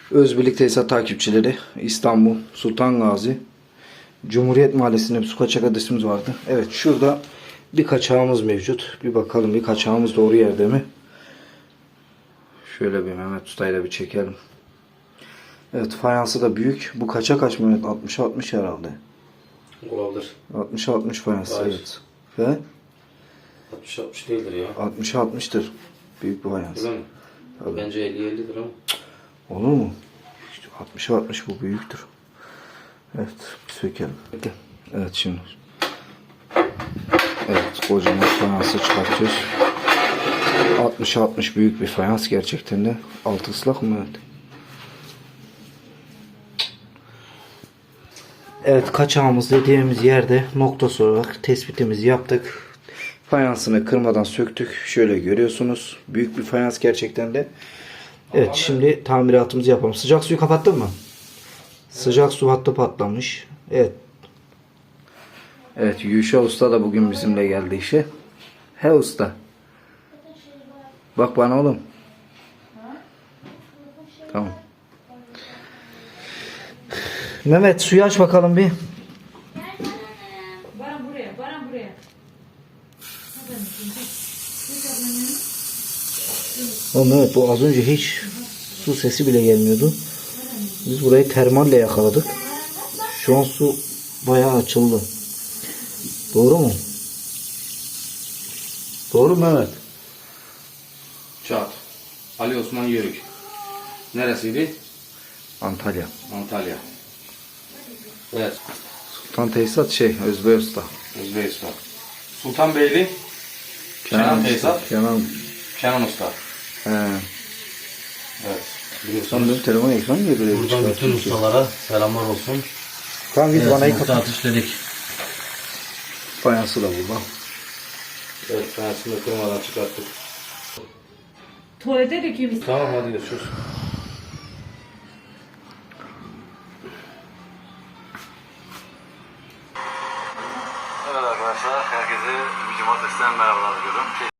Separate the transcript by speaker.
Speaker 1: Özbirlik Tesisat takipçileri, İstanbul, Sultan Gazi, Cumhuriyet Mahallesi'nde bir su kaçak adresimiz vardı. Evet, şurada bir kaçağımız mevcut. Bir bakalım, bir kaçağımız doğru yerde mi? Şöyle bir Mehmet Usta'yla bir çekelim. Evet, fayansı da büyük. Bu kaça kaç Mehmet? 60-60 herhalde.
Speaker 2: Olabilir.
Speaker 1: 60-60 fayans,
Speaker 2: Hayır.
Speaker 1: evet. Ve
Speaker 2: 60-60 değildir ya.
Speaker 1: 60-60'tır. Büyük bir fayans.
Speaker 2: Değil mi?
Speaker 1: Tabii.
Speaker 2: Bence 50-50'dir ama.
Speaker 1: Olur mu? İşte 60-60 bu büyüktür. Evet, bir sökelim. Evet şimdi. Evet, kocaman fayansı çıkartıyoruz. 60-60 büyük bir fayans gerçekten de. Altı ıslak mı? Evet. Evet, kaçağımız dediğimiz yerde noktası olarak tespitimizi yaptık. Fayansını kırmadan söktük. Şöyle görüyorsunuz. Büyük bir fayans gerçekten de. Evet, şimdi tamiratımızı yapalım. Sıcak suyu kapattın mı? Sıcak su hattı patlamış. Evet. Evet, Yuşa Usta da bugün bizimle geldi işe. He usta. Bak bana oğlum. Tamam. Mehmet, suyu aç bakalım bir.
Speaker 3: Bana buraya.
Speaker 1: Oğlum Mehmet, bu az önce hiç su sesi bile gelmiyordu. Biz burayı termalle yakaladık. Şu an su bayağı açıldı. Doğru mu? Doğru mu Mehmet?
Speaker 2: Çat. Ali Osman Yörük. Neresiydi?
Speaker 1: Antalya.
Speaker 2: Antalya. Evet.
Speaker 1: Sultan Tesisat Özbey Usta.
Speaker 2: Özbekistan. Sultanbeyli. Kenan Tesisat. Kenan Usta.
Speaker 1: He.
Speaker 2: Evet.
Speaker 1: Sen
Speaker 2: Biliyorsunuz.
Speaker 1: benim telefon ekranı niye böyle
Speaker 2: Buradan bütün ustalara selamlar olsun.
Speaker 1: Tamam, biz bana
Speaker 2: nokta
Speaker 1: kapat.
Speaker 2: atış dedik.
Speaker 1: Fayansı da burada.
Speaker 2: Evet, fayansını da kırmadan çıkarttık.
Speaker 3: Tuvalete dökeyim.
Speaker 2: Tamam, hadi görüşürüz.
Speaker 4: Evet arkadaşlar, herkese bir cumartesiden merhabalar diyorum.